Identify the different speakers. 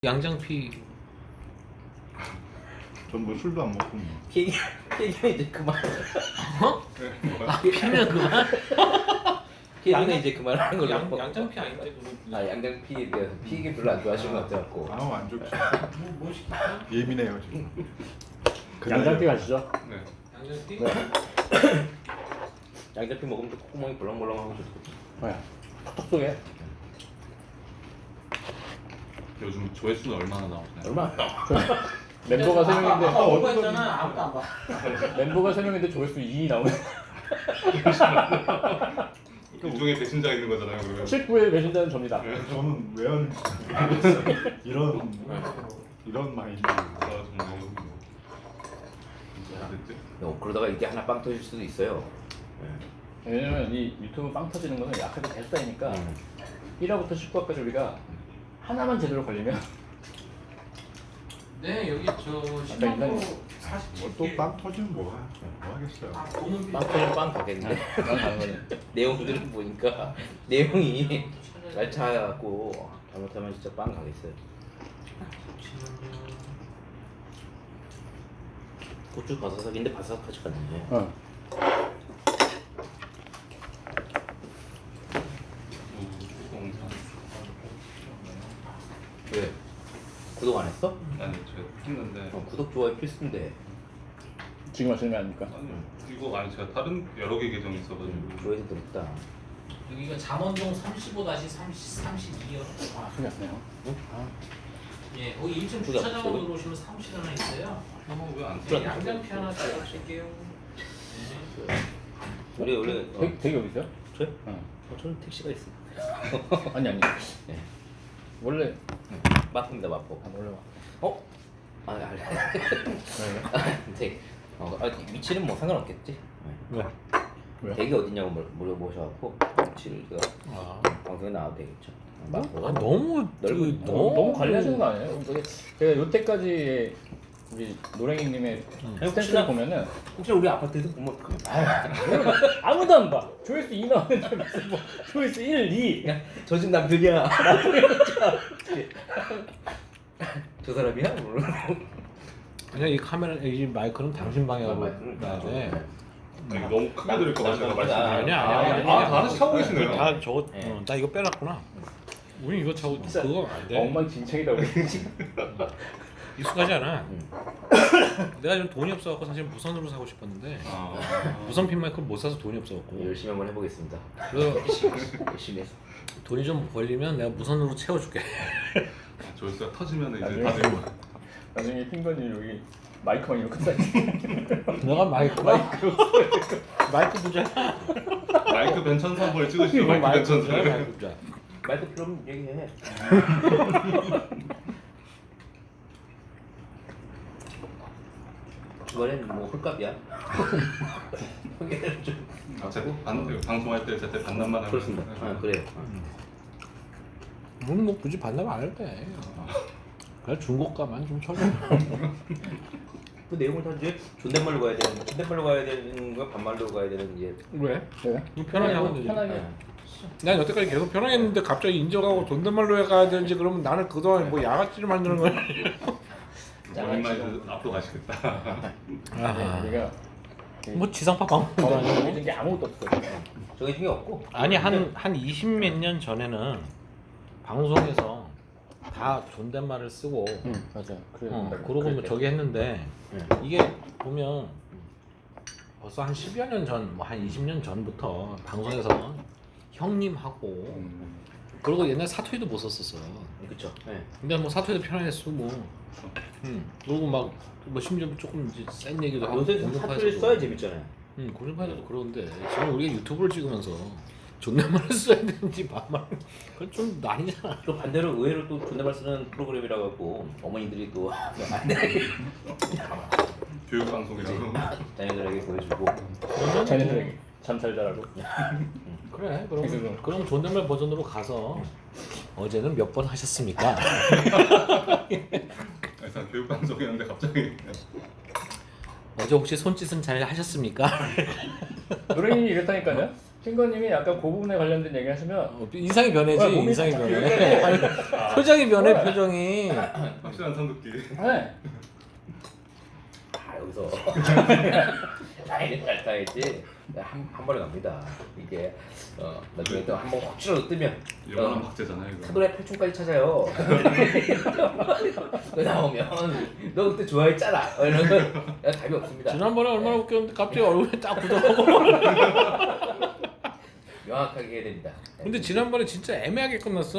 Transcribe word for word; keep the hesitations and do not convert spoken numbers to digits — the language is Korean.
Speaker 1: 양장피
Speaker 2: 전 뭐 술도 안 먹고 뭐.
Speaker 3: 얘기 얘기는 이제 그만.
Speaker 1: 어? 아 피면 그만?
Speaker 3: 얘기는 이제 그만하는 걸로.
Speaker 1: 양, 양장피 아닌데 그거
Speaker 3: 아 양장피 피 얘기 별로 안 좋아하시는 것 같아갖고.
Speaker 2: 아우 안 좋죠.
Speaker 1: 뭐, 뭐 시킬까?
Speaker 2: 예민해요 지금.
Speaker 4: 양장피 가시죠.
Speaker 1: 네 양장피?
Speaker 3: 네. 양장피 먹으면 또 콧구멍이 벌렁벌렁하고 좋거든.
Speaker 4: 뭐야? 톡톡 쏘게.
Speaker 5: 요즘 조회수는 얼마나 나오나요?
Speaker 3: 얼마?
Speaker 4: 멤버가 세 명인데
Speaker 1: 아까 얼마 했잖아. 아무도 안 봐.
Speaker 4: 멤버가 세 명인데 조회수 이 나오네.
Speaker 5: 그 중에 배신자 있는 거잖아요, 그러면.
Speaker 4: 십구의 배신자는 접니다.
Speaker 2: 저는 왜 하는지 모르겠어요. 이런 이런 마인드.
Speaker 5: 아 정말. 됐지?
Speaker 3: 어, 그러다가 이게 하나 빵 터질 수도 있어요.
Speaker 4: 왜냐면 이 유튜브 빵 터지는 거는 약하게 계속 쌓이니까
Speaker 3: 음.
Speaker 4: 일 화부터 십구 화까지 우리가 하나만 제대로 걸리면
Speaker 1: 네 여기 저 십만
Speaker 4: 인간이-
Speaker 1: 프로 사십칠 개.
Speaker 2: 뭐또빵 터지면 뭐, 하- 뭐 하겠어요.
Speaker 1: 아 돈은
Speaker 3: 빵 터지면 빵 가겠는데.
Speaker 4: 난 가는 거는
Speaker 3: 내용들을 보니까 내용이 날차갖고 잘못하면 진짜 빵 가겠어요. 고추 바사삭인데 바삭하지가 않네.
Speaker 4: 어.
Speaker 3: 왜? 구독 안 했어?
Speaker 5: 아니 제가 했는데.
Speaker 3: 어, 구독 좋아요 필수인데.
Speaker 4: 지금 하시는 거 아닙니까?
Speaker 5: 아니 이거 아니 제가 다른 여러 개 계정이 있어가지고.
Speaker 3: 음, 조회수 들었다.
Speaker 1: 여기가 잠원동 삼십오 삼십이요.
Speaker 4: 아 소리 안 나요.
Speaker 1: 예 거기 일 층
Speaker 3: 그게
Speaker 1: 주차장으로
Speaker 3: 없어요?
Speaker 1: 들어오시면 사무실 하나 있어요.
Speaker 5: 어, 왜안
Speaker 1: 네,
Speaker 5: 써?
Speaker 1: 양장피 하나 드릴게요.
Speaker 3: 우리 원래 어,
Speaker 4: 되게 되게 어디 있어요?
Speaker 3: 저요?
Speaker 4: 어.
Speaker 3: 어, 저는 택시가 있어요.
Speaker 4: 아니 아니.
Speaker 3: 네.
Speaker 4: 원래
Speaker 3: 마포입니다 마포.
Speaker 4: 아 원래
Speaker 3: 어? 아 알래.
Speaker 4: 왜요?
Speaker 3: 네. 어, 아, 위치는 뭐 상관없겠지.
Speaker 4: 왜? 왜요?
Speaker 3: 댁이 어디냐고 물- 물어보셔갖고 위치를 제가
Speaker 1: 아,
Speaker 3: 방송에 나와도 되겠죠. 마포가
Speaker 1: 아 너무
Speaker 3: 넓은-
Speaker 1: 그,
Speaker 4: 너무, 너무 관리하시는 거 아니에요? 되게 제가 요때까지 우리 노랭이님의 스탠스를
Speaker 3: 혹시나-
Speaker 4: 보면은
Speaker 3: 혹시 우리 아파트에서 보면 어떡하면
Speaker 4: 아무도 안 봐. 조회수 이 나오는데 무슨 뭐 조회수 일, 이.
Speaker 3: 저 집 남편이야. 저 사람이야?
Speaker 1: 그냥 이 카메라 이 마이크는 당신 방향으로 놔야 돼.
Speaker 5: 아니, 너무 크게 들을까 봐 제가 말씀.
Speaker 1: 아니야
Speaker 3: 아,
Speaker 1: 아니야.
Speaker 3: 아니야.
Speaker 5: 아, 다 하나씩 하고 계시네요.
Speaker 1: 다 저거
Speaker 3: 네.
Speaker 1: 어, 나 이거 빼놨구나. 우리 이거 저거 그거 안 돼.
Speaker 4: 엉망진창이다 우리.
Speaker 1: 익숙하지 않아.
Speaker 3: 응.
Speaker 1: 내가 좀 돈이 없어갖고 사실 무선으로 사고 싶었는데
Speaker 5: 아,
Speaker 1: 무선 핀 마이크를 못 사서 돈이 없어갖고.
Speaker 3: 열심히 한번 해보겠습니다.
Speaker 1: 그래서
Speaker 3: 열심히 해서.
Speaker 1: 돈이 좀 벌리면 내가 무선으로 채워줄게.
Speaker 5: 조회수가 터지면 이제
Speaker 4: 나중에
Speaker 5: 다들
Speaker 4: 나중에 핑거님 여기 마이크만 이렇게 쌓이.
Speaker 1: 내가 마이크가 마이크 부자.
Speaker 5: 마이크 벤천사 한번 찍으시죠. 마이크
Speaker 1: 마이크 부자.
Speaker 5: 벤천사.
Speaker 1: 마이크 부자.
Speaker 3: 마이크 필요하면 얘기해. 이번엔 뭐 홀값이야? 여기는 좀
Speaker 5: 아, 제가 반, 방송할 때 제때 반납만 하면.
Speaker 3: 그렇습니다. 아 그래요.
Speaker 1: 우리는 뭐 굳이 반납 안 해도 돼. 그냥 중고가만 좀 쳐줘.
Speaker 3: 그 내용을 다 이제 존댓말로 가야 되는, 존댓말로 가야 되는 거, 반말로 가야 되는 이제.
Speaker 1: 왜?
Speaker 4: 네.
Speaker 1: 뭐 편하게 하면 되지.
Speaker 4: 편하게.
Speaker 3: 네.
Speaker 1: 난 여태까지 계속 편하게 했는데 갑자기 인정하고 존댓말로 해가야 되는지 그러면 나는 그동안 뭐 양아치를 만드는 거야.
Speaker 5: 머리말 앞으로 가시겠다.
Speaker 1: 아하.
Speaker 4: 우리가
Speaker 1: 뭐 지상파 방송도 아니고.
Speaker 4: 정해진 게 아무것도 없어요.
Speaker 3: 저게 중에 없고.
Speaker 1: 아니 한 한 이십 몇 년 전에는 방송에서 다 존댓말을 쓰고
Speaker 4: 응 맞아. 그래.
Speaker 1: 어,
Speaker 4: 어,
Speaker 1: 그러고 뭐 저기 했는데
Speaker 3: 응.
Speaker 1: 이게 보면 벌써 한 십여 년 전, 뭐 한 이십 년 전부터 방송에서 형님하고
Speaker 4: 음.
Speaker 1: 그리고 옛날 사투리도 못 썼었어.
Speaker 3: 그렇죠. 네.
Speaker 1: 근데 뭐 사투리도 편하게 쓰고, 음 그리고 막 뭐 심지어 조금 이제 센 얘기도 하고
Speaker 3: 요새 사투리를 써야 재밌잖아요.
Speaker 1: 응 고정파에도 그러는데 지금 우리가 유튜브를 찍으면서 존댓말을 써야 되는지 반말 그건 좀 아니잖아.
Speaker 3: 또 반대로 의외로 또 존댓말 쓰는 프로그램이라 갖고 어머니들이 또 안돼
Speaker 5: 교육 방송이라고.
Speaker 3: 자녀들에게 보여주고.
Speaker 1: 그러면
Speaker 4: 자네들에게 잠 잘 자라고.
Speaker 1: 그래 그럼
Speaker 4: 그래서
Speaker 1: 그럼 존댓말 버전으로 가서 어제는 몇 번 하셨습니까?
Speaker 5: 일단 교육 방송이었는데 갑자기.
Speaker 1: 어제 혹시 손짓은 잘 하셨습니까?
Speaker 4: 노랭이 이랬다니까요. 핑거님이 약간 그 부분에 관련된 얘기 하시면
Speaker 1: 어, 인상이 변해지
Speaker 4: 아, 몸이
Speaker 1: 인상이
Speaker 4: 살짝
Speaker 1: 변해.
Speaker 4: 이렇게
Speaker 5: 아,
Speaker 1: 표정이 변해 표정이.
Speaker 5: 확실한 성급기.
Speaker 4: 네.
Speaker 3: 아 여기서 라인을 잘 타야지 한, 한 번에 갑니다. 이게 어, 나중에 또 한 번 확실하게 뜨면
Speaker 5: 영원한
Speaker 3: 어,
Speaker 5: 박제잖아요. 이거.
Speaker 3: 사돈의 팔촌까지 찾아요. 그 나오면 너 그때 좋아했잖아. 어, 이러면 답이 없습니다.
Speaker 1: 지난번에 얼마나 웃겼는데 갑자기 얼굴에 딱 굳어가고.
Speaker 3: 명확하게 해야 됩니다.
Speaker 1: 근데 지난번에 진짜 애매하게 끝났어.